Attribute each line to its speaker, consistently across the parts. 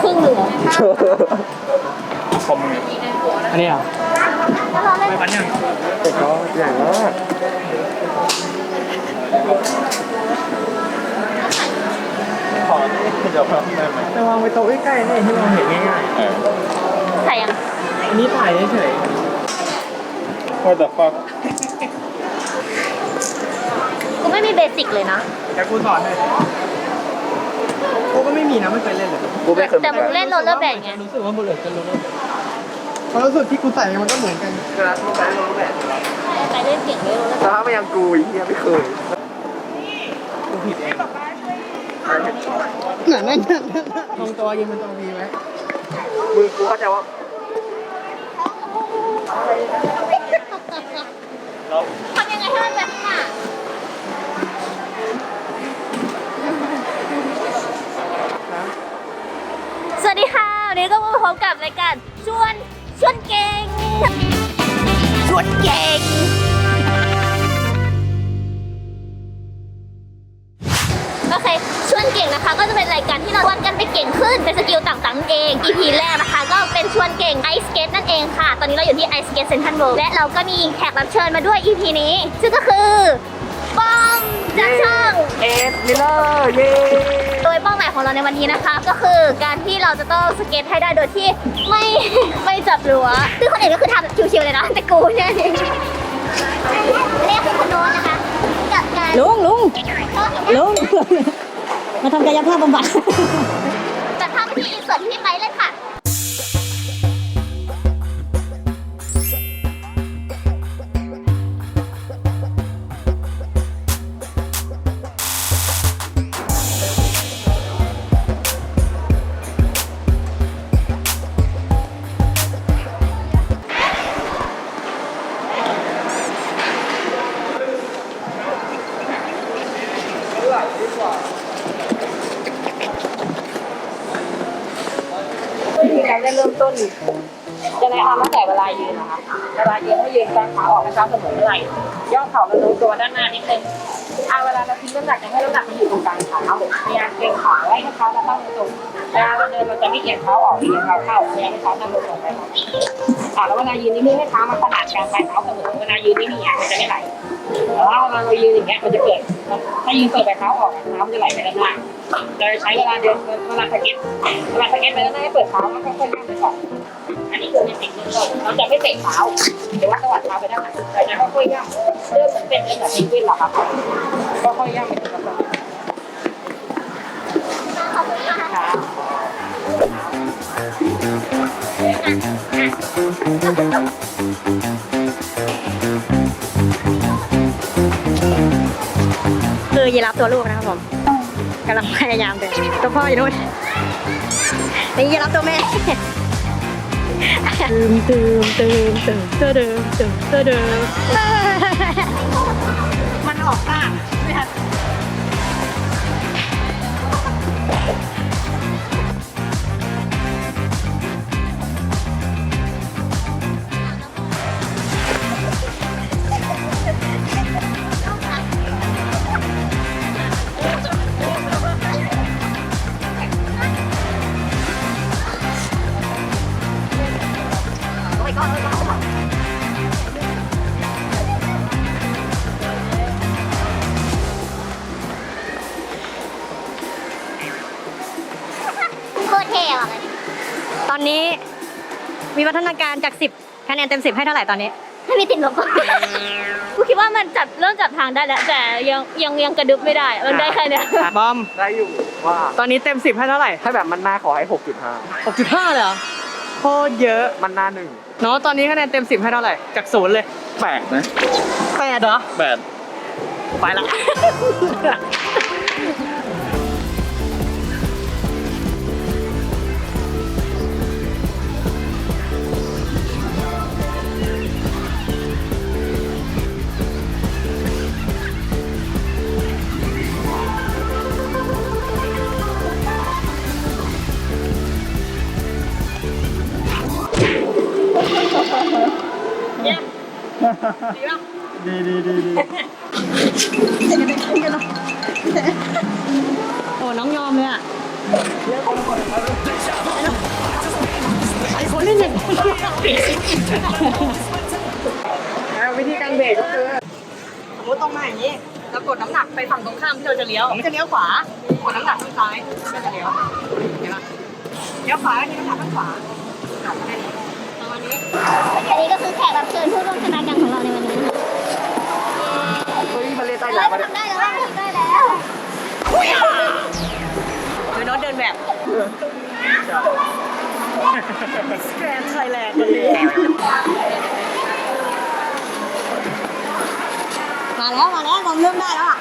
Speaker 1: รึ่งหนึ่งเหรอ
Speaker 2: คอมอันนี้เหรอ
Speaker 1: แล้วเราเล่น
Speaker 2: ไม่ปันยัง
Speaker 3: แต่ก็ใหญ่มาก
Speaker 2: ขอเดี๋ยวครับได้ไหมจะวางไว้โต๊ะใกล้ๆนี่ที่เราเห็นง่าย
Speaker 1: ใส่ยัง
Speaker 2: ๆอันนี้ถ่ายเฉย
Speaker 3: What the fuck
Speaker 1: กูไม่มีเบสิกเลยนะ
Speaker 2: ๆแต่กูสอนเลยกูก็ไม่มีนะไม่เคยเล่นเลย
Speaker 3: กูไม่เคย
Speaker 1: แต่มึงเล่นโรลเลอร์แบดไง
Speaker 2: รู้สึกว่าบุลเลตจะรู้ความรู้สึกที่กูใส่มันก็เหมือนกัน
Speaker 3: กระดาษรูปแบบรูปแบบ
Speaker 1: ไปเล่นเก่งเลยโรลเลอร์แบ
Speaker 3: แต่
Speaker 1: ด
Speaker 3: ถ้าไม่ยังกูอีกยังไม่เคย
Speaker 2: กูผิดเองนั่นตรงตัวยืนเป็นตัววีไว้
Speaker 3: มือกูเข้าใจว่า
Speaker 1: ทำยังไงให้มันแบบน่ะสวัสดีค่ะวันนี้ก็มาพบกับรายการชวนเก่งชวนเก่งโอเคชวนเก่งนะคะก็จะเป็นรายการที่เราชวนกันไปเก่งขึ้นเป็นสกิลต่างๆนั่นเอง EP แรกนะคะก็เป็นชวนเก่งไอสเกตนั่นเองค่ะ ตอนนี้เราอยู่ที่ไอสเกตเซ็นทรัลเวิลด์และเราก็มีแขกรับเชิญมาด้วย EP นี้ซึ่งก็คือป้อมจากช่อง
Speaker 3: เอ็ดมิลเลอร์เย้
Speaker 1: โดยเป้าหมายของเราในวันนี้นะคะก็คือการที่เราจะต้องสเก็ตให้ได้โดยที่ไม่จับรั้วซึ่งคนอื่นก็คือทำแบบชิวๆเลยนะแต่กูเนี่ยเรียกคือคุณโน้ตนะคะกับการ
Speaker 4: ลุงมาทำกายภาพบำบัด
Speaker 1: จัดภาพที่อินเสิร์ตที่พี่ไปเลยค่ะ
Speaker 5: วิธีการได้เริ่มต้นจะแนะนำตั้งแต่เวลายืนนะคะเวลายืนให้ยืนกางขาออกนะคะเสมอเมื่อไหร่ย่อเข่ามาโน้มตัวด้านหน้านิดนึงเวลาเราทิ้งน้ำหนักจะให้น้ำหนักมันอยู่ตรงกลางขาพยายามเกรงขาไว้ให้เท้าเราตั้งตรงเวลาเราเดินเราจะไม่เอียงเท้าออกเอียงเท้าเข้าพยายามให้เท้านั่งลงไปแล้วเวลายืนนิ่งๆให้เท้ามันขนาดกลางปลายเท้าเสมอเวลายืนนิ่งๆมันจะไม่ไหลแต่ว่าเวลาเรายืนอย่างเงี้ยมันจะเกิดถ้ายืนเปิดปลายเท้าออกเท้ามันจะไหลไปด้านหน้าเราจะใช้เวลาเดินเวลาสเก็ตไปด้านหน้าให้เปิดเท้าแล้วค่อยๆย่ำไปก่อนอันนี้คือในสิ่งที่เราจะไม่เตะเท้าหรือว่าสวัสดเท้าไปด้านหลังเราจะค่อยๆย่ำเริ่มเหมือนเป็นแบบเพนกวินหรอครับก็ค่อยย่ำไปทีละคน
Speaker 4: คือยีราฟตัวลูกนะครับผมกำลังพยายามเดินตัวพ่ออยู่นู่นนี่ยีราฟตัวแม่มันออกข้างไม่ทัน
Speaker 1: โคตรเท่อะ
Speaker 4: ตอนนี้มีพัฒนาการจาก10คะแนนเต็ม10ให้เท่าไหร่ตอนนี้
Speaker 1: ไม่มีติดลบกูคิดว่ามันเริ่มจับทางได้แล้วแต่ยังกระดึบไม่ได้มันได้แค่เนี้ย
Speaker 2: บอม
Speaker 3: ได้อยู่ว่า
Speaker 2: ตอนนี้เต็ม10ให้เท่าไหร่
Speaker 3: ถ้าแบบมันหน้าขอให้
Speaker 2: 6.5เลยเหรอโคตรเยอะ
Speaker 3: 6.5 มันหน้า1
Speaker 2: เนาะตอนนี้คะแนนเต็ม10ให้เท่าไหร่จาก0เลย
Speaker 3: 8นะ
Speaker 2: 8เหรอ
Speaker 3: 8
Speaker 2: ไปละดี
Speaker 4: โอ้น้องยอมเลยอ่ะ
Speaker 3: แล้ววิธีการเบรกก็คือ
Speaker 4: สมมติตรงมาอย่างนี้แล้วกดน้ำหนักไปฝั่งตรงข้ามที่เราจะเลี้ยวมันจะเลี้ยวขวากดน้ำหนักข้างซ้ายก็จะเลี้ยวเห็นไหมเลี้ยวขวาที่น้ำหนักข้างขวาประมาณนี้
Speaker 1: อันนี้ก็คือแขกรับเชิญผู้ร่วมชะตากรรมของเราในวันนี้
Speaker 3: เฮ้ยมันเลยใต้
Speaker 1: เฮ้
Speaker 3: หลั
Speaker 1: ย
Speaker 3: งมา
Speaker 1: ทำ
Speaker 3: เนี่ย
Speaker 1: ได้แล้วทำได้แล้ว
Speaker 4: โดยโน้ตเดินแบบแกรนด์ไทยแลนด์มาแล้วผมเริ่มได้แล้วอ่ะ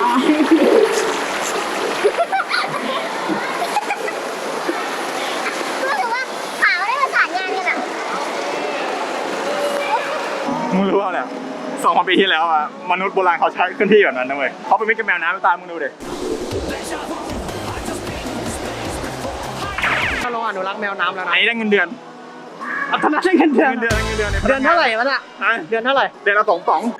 Speaker 1: รู้สึกว่าขาไม่ได้ประสานงานกันอ่ะ
Speaker 2: มึงรู้ว่าเนี่ย2,000 ปีที่แล้วอะมนุษย์โบราณเขาใช้เคลื่อนที่แบบนั้นนะเว้ยเขาเป็นมิตรกับแมวน้ำตามมึงดูดิ
Speaker 3: ถ้าเราอนุรักษ์แมวน้ำแล้ว
Speaker 2: ไหน
Speaker 3: นะ
Speaker 2: ได้เงินเดือน
Speaker 3: ตอนนั้นได้เงินเดือน
Speaker 2: เงินเดือนเดือน
Speaker 3: เดือนเท่าไหร่วะน่ะ
Speaker 2: ฮะ
Speaker 3: เดือนเท่าไหร่
Speaker 2: เดือนละ2 ป๋อง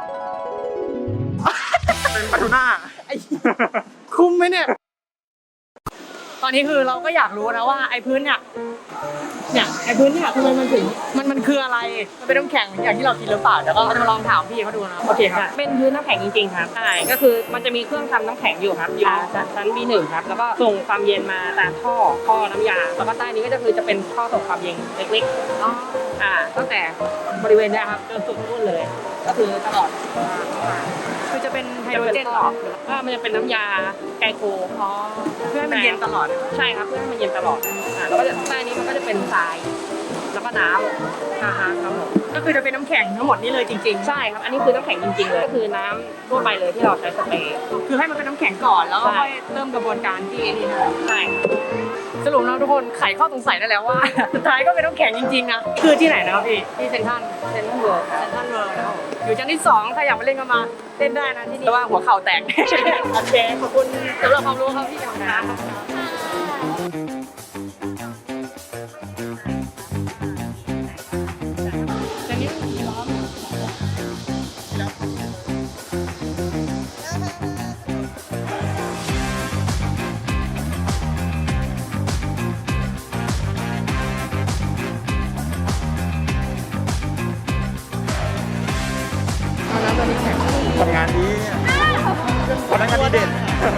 Speaker 2: เป็นปลาทูน่า
Speaker 3: คุ้มไหมเนี่ย ตอนนี้คือเราก็อยากรู้นะว่าไอ้พื้นเนี่ยไอ้พื้นเนี่ยทำไมมันถึงมันคืออะไร มันเป็นน้ำแข็งอย่างที่เราคิดหรือเปล่าเดี๋ยวก็จะมาลองถามพี่เขาดูนะโอเคครับ
Speaker 5: เป็นพื้นน้ำแข็งจริงๆครับใช่ก็คือมันจะมีเครื่องทำน้ำแข็งอยู่ครับอยู่ชั้น B1 ครับแล้วก็ส่งความเย็นมาตามท่อน้ำยาแล้วก็ใต้นี้ก็จะเป็นท่อส่งความเย็นเล็กๆตั้งแต่บริเวณเนี้ยครับจนสุดนู่นเลย ก็คือตลอด
Speaker 3: คือจะเป็นไฮ
Speaker 5: จะ
Speaker 3: โดร
Speaker 5: เป็น
Speaker 3: เจน
Speaker 5: ท่
Speaker 3: เหร
Speaker 5: อ
Speaker 3: อ
Speaker 5: ก็มันจะเป็นน้ำยาไกลโค
Speaker 3: อ๋อเพื่อให้มันเย็นตลอด
Speaker 5: ใช่ครับเพื่อให้มันเย็นตลอดแล้วก็ใต้นี้มันก็จะเป็นทรายแล้วก็น้ำครับผม
Speaker 3: ก็คือจะเป็นน้ำแข็งทั้งหมดนี้เลยจริง
Speaker 5: ใช่ครับ อันนี้คือน้ำแข็งจริงๆเลย ก็คือน้ำทั่วไปเลยที่เราใช้สเปรย์
Speaker 3: ๆ คือให้มันเป็นน้ำแข็งก่อนแล้วก็
Speaker 5: ใช่
Speaker 3: ค่อยเริ่มกระบวนการที่นี่นะ
Speaker 5: ใช่ครับ
Speaker 3: สรุปแล้วทุกคนไขข้อสงสัยได้แล้วว่า สุดท้ายก็เป็นน้ำแข็งจริงๆนะคือที่ไหนนะครับพี่ที่เซ็นทรัล
Speaker 5: เซนทรัลเวิลด์ครับ
Speaker 3: เซ็นทรัลเวิลด์นะครับผมอยู่ชั้นที่2ถ้าอยากมาเล่นก็มาเล่นได้นะที่นี่แต่ว่าหัวเข่าแตก โอเคขอบคุณสำหรับความรู้ครับพี่ของน้ำ
Speaker 2: ทำงานดีพนักงานดีเด่น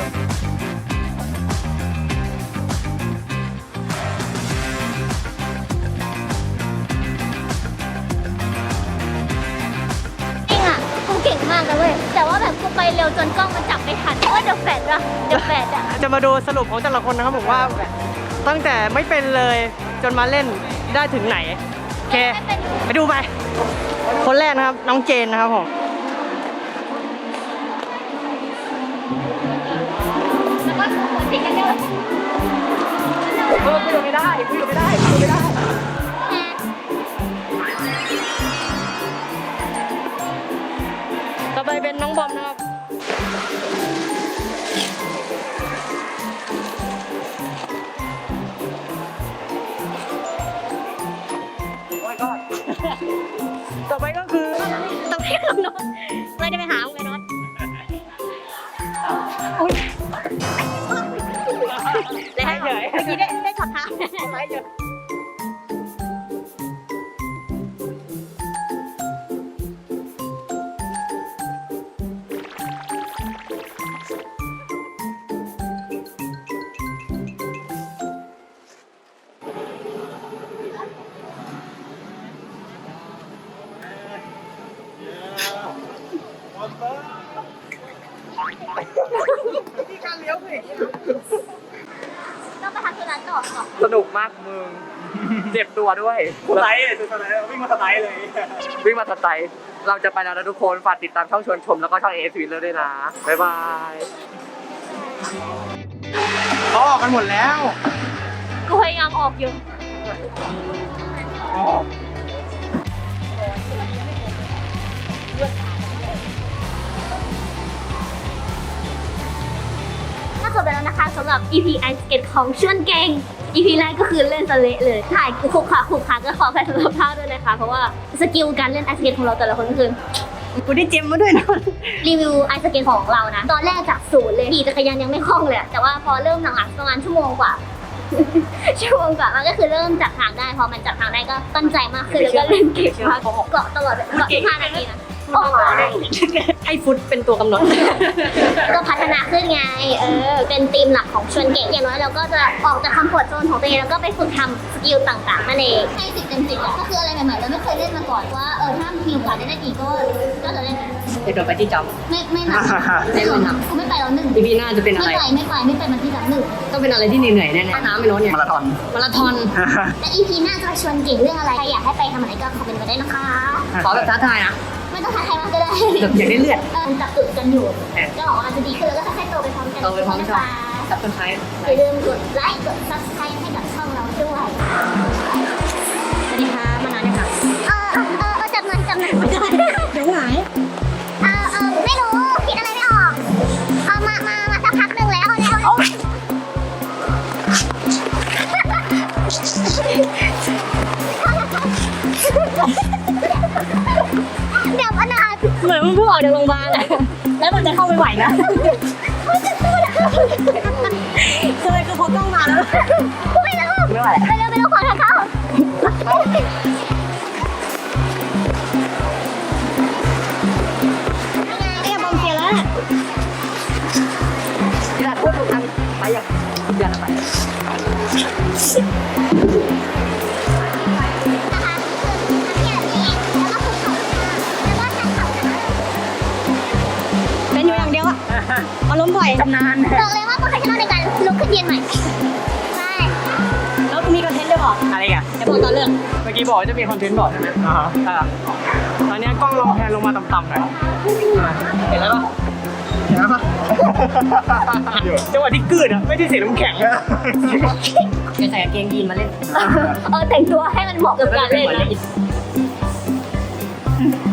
Speaker 1: จริงอ่ะกูเก่งมากเลยเว้ยแต่ว่าแบบกูไปเร็วจนกล้องมันจับไม่ทันว่าเดอะแฟดอะเดอะแฟดอะ
Speaker 3: จะมาดูสรุปของแต่ละคนนะครับผมว่าตั้งแต่ไม่เป็นเลยจนมาเล่นได้ถึงไหนโอเคไปดูไปคนแรกนะครับน้องเจนนะครับผม
Speaker 1: แล้วก็หัวติดกันเยอะ
Speaker 3: คุยไม่ได้คุยไม่ได้คุยไม่ได้ต่อไปเป็นน้องบอมนะครับต่อไปก็คือ
Speaker 4: ต้องให้น้องโน้ตไม่ได้ไปหามึงเลยโน้ตอุ้ยเลยให้เมื่อกี้ได้ช็อตท้าย
Speaker 1: ต้องไปทำธุระต่อก่อน
Speaker 3: สนุกมากมึง เจ็บตัวด้วย
Speaker 2: สไลด์เลยสไลด์วิ่งมาสไลด์เลย
Speaker 3: วิ่งมาสไตล์เราจะไปแล้วนะทุกคน ฝากติดตามช่องชวนชมแล้วก็ช่อง AS Wheeler ด้วยนะ บ๊ายบาย
Speaker 2: เขาออกกันหมดแล้ว
Speaker 1: กูพยายามออกอยู่ ก็จบไปแล้วนะคะสำหรับ EP Ice Skate ของชวนเก่ง EP แรกก็คือเล่นสะเละเลย ถ่ายคุกขาก็ขอแพ้สำหรับภาพด้วยนะคะ เพราะว่าสกิลการเล่น Ice Skate ของเราแต่ละคนก็คือ
Speaker 4: กูได้เจมมาด้วยนะ
Speaker 1: รีวิวไอสเกตของเรานะ ตอนแรกจากศูนย์เลยขี่จักรยานยังไม่คล่องเลยอะแต่ว่าพอเริ่มหลังๆประมาณชั่วโมงกว่าชั่วโมงกว่ามันก็คือเริ่มจับทางได้พอมันจับทางได้ก็ตั้งใจมากขึ้นแล้วก็เล่นเก่งมากเกาะตลอดเกาะ15 นาทีนะโอ้โห
Speaker 4: ให้ฟุตเป็นตัวกำหนด
Speaker 1: ก็พัฒนาขึ้นไงเป็นธีมหลักของชวนเก่งอย่างน้อยเราก็จะออกจากคอมฟอร์ตโซนของตัวเองแล้วก็ไปฝึกทำสกิลต่างๆนั่นเองให้10 เต็ม 10ก็คืออะไรใหม่ๆเราไม่เคยเล่นมาก่อนว่าถ้ามีโอกาสได้เล่นอีกก็จะเล่น
Speaker 4: เดี๋ยวโดนไปที่จ
Speaker 1: ไม่หนัก
Speaker 4: ไม่หนัก
Speaker 1: กูไม่ไปแล้วหนึ่ง
Speaker 4: ำ EP หน้าจะเป็นอะไร
Speaker 1: ไม่ไปมันที่แบบหนึ่ง
Speaker 4: ต้องเป็นอะไรที่เหนื่อยๆแน่ๆน้ำไม่น้นเนี่ย
Speaker 2: มาราธอน
Speaker 4: มาราธอน
Speaker 1: และ EP หน้าจะชวนเก่งเรื่องอะไรใครอยากให้ไปทำอะไรก็คอมเมนต์มาได้นะคะ
Speaker 4: ขอแบบท้าทายนะ
Speaker 1: ไม่ต้องท้าใครมากก็ได้
Speaker 4: แบบอยากได้เลือด
Speaker 1: จับจุดกันอยู่ก็หวังว่ามันจะดีขึ้นแล้วก็ค่อยๆโตไปพร้อมกัน
Speaker 4: โตไปพร้อมกัน
Speaker 1: นะคะ
Speaker 4: กับคนไทย
Speaker 1: อย่าลืมกดไลค์กด subscribe ให้กับช่องเราด้วย
Speaker 4: สวัสดีค่ะมานานยังคะ
Speaker 1: จับหน่อยไม่ได้
Speaker 4: เดี๋ยวหาย
Speaker 1: ไม่รู้คิดอะไรไม่ออกมาสักพักหนึ่งแล้วเดี๋ยวอนาถ
Speaker 4: เหมือนมันเพิ่งออกจากโรงพยาบาลอะแล้วมันจะเข้าไปไหวนะทำไมคือพอกล้องมาแล้ว
Speaker 1: ไม่รู้ไม่รู้ขอทางเข้าบอมเสียแล้ว
Speaker 4: เวลาพูดถูกทำไปอย่างเดือนละไป
Speaker 1: นะคะคือทำอย่างนี้แล้วก็คุกเข่าแล้วก็ชันเข่านะคะ
Speaker 4: เป็นอยู่อย่างเดียวอะอารมณ์บ่อยชำนาญ
Speaker 1: บอกเลยว่าโปรเฟชชั่นอลในการลุกขึ้นยืนใหม่ใช่
Speaker 4: แล้วมีคอนเทนต์ด้วยเหรอ
Speaker 3: อะไรอ่ะ
Speaker 4: จะบอกตอนเรื่อง
Speaker 3: เมื่อกี้บอกว่าจะมีคอนเทนต์บอกใช่ไหม
Speaker 2: อ่าฮะ
Speaker 3: ตอนนี้กล้องลองแพนลงมาต่ำๆหน่อยเห็นแล้วปะ
Speaker 2: เห็นไหมปะเดี๋ยว
Speaker 3: จังหวะที่กลืดอ่ะไม่ได้เสียน้ำแข็ง
Speaker 4: จะใส่กางเกงยีนมาเล่น
Speaker 1: แต่งตัวให้มันเหมาะกับการเล่นนะ